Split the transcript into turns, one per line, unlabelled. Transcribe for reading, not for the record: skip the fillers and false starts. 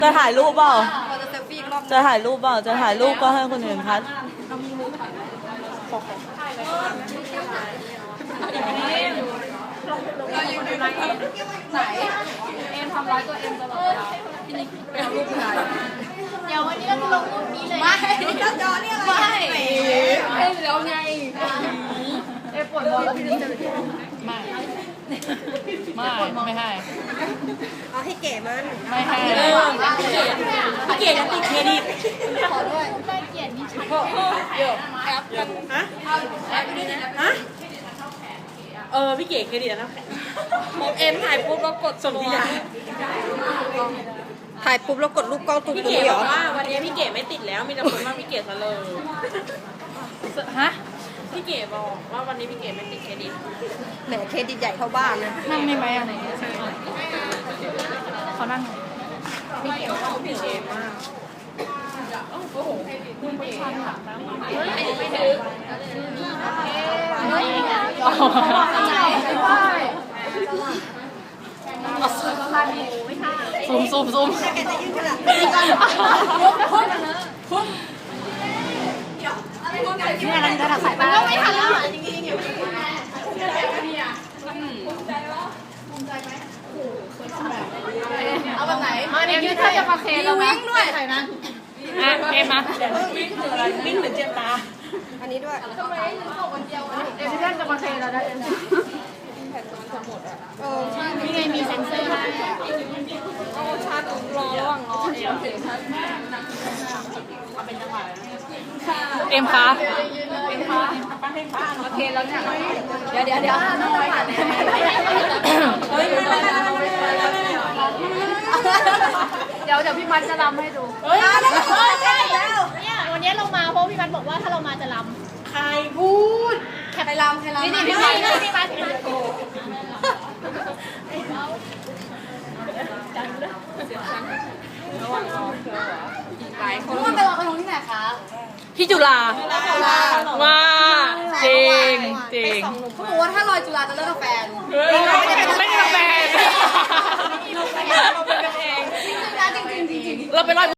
จะถ่ายรูปเปล่า
เราจะเซลฟี่อีกรอบ
จะถ่ายรูปเปล่า จะถ่ายรูปก็ให้คนอื่นพัด
ไหนเอ็มทำร้ายตัวเอ็มตลอดเวลาพี่นิกไปเอารูปถ่ายเดี๋ยววันนี้เราจะลงรูปนี้เลยไม่จอนี่อะไรไม่เอ็มแล้วไงเอ็มปวดหัวแล้วพี่นิกจะไม่ให้เอาให้เก๋มันไม่ให้พี่เก๋จะติดเครดิตขอด้วยได้เกียรตินี่ชัดเยอะแอปฮะแอปนี่ฮะพี่เก๋เครดิตนะผมเอ็มถ่ายปุ๊บแล้วกดส่งที่ยาถ่ายปุ๊บแล้วกดรูปกล้องตุ้มพี่เก๋บอกว่าวันนี้พี่เก๋ไม่ติดแล้วมีแต่คนว่าพี่เก๋ซะเลยฮะพี่เก๋บอกว่าวันนี้พี่เก๋ไม่ติดเครดิตแหมเครดิตใหญ่เท่าบ้านเลยนั่งได้ไหมอ่ะเขานั่งพี่เก๋ว่าพี่เก๋มากโอ้โหไม่ทันค่ะไม่ถึงซูมนี่อะไรจะถักสายตาก็ไม่ทันแล้วจริงๆเอาแบบไหนเอ็มยืดถ้าจะมาเคแล้ววิ่งด้วยใส่นะเอ็มมาวิ่งเหมือนเจ็บตาอันนี้ด้วยทำไมบอกวันเดียวเอ็มที่ท่านจะมาเคแล้วนะเอ็มนี่ไงมีเซ็นเซอร์ให้ชาร์จรอระหว่างรอเอ็มคะโอเคแล้วเนี่ยเดี๋ยวพี่มันจะรำให้ดูใช่เนี่ยวันนี้เรามาเพราะพี่มันบอกว่าถ้าเรามาจะรำใครพูดใครรำนี่พี่มันหลายคนไปลอยกระทงที่ไหนคะที่จุฬามาจริงเขาบอกว่าถ้าลอยจุฬาจะเลิกกับแฟนไม่ได้กับแฟนเราเป็นกันเองจริงเราไปลอย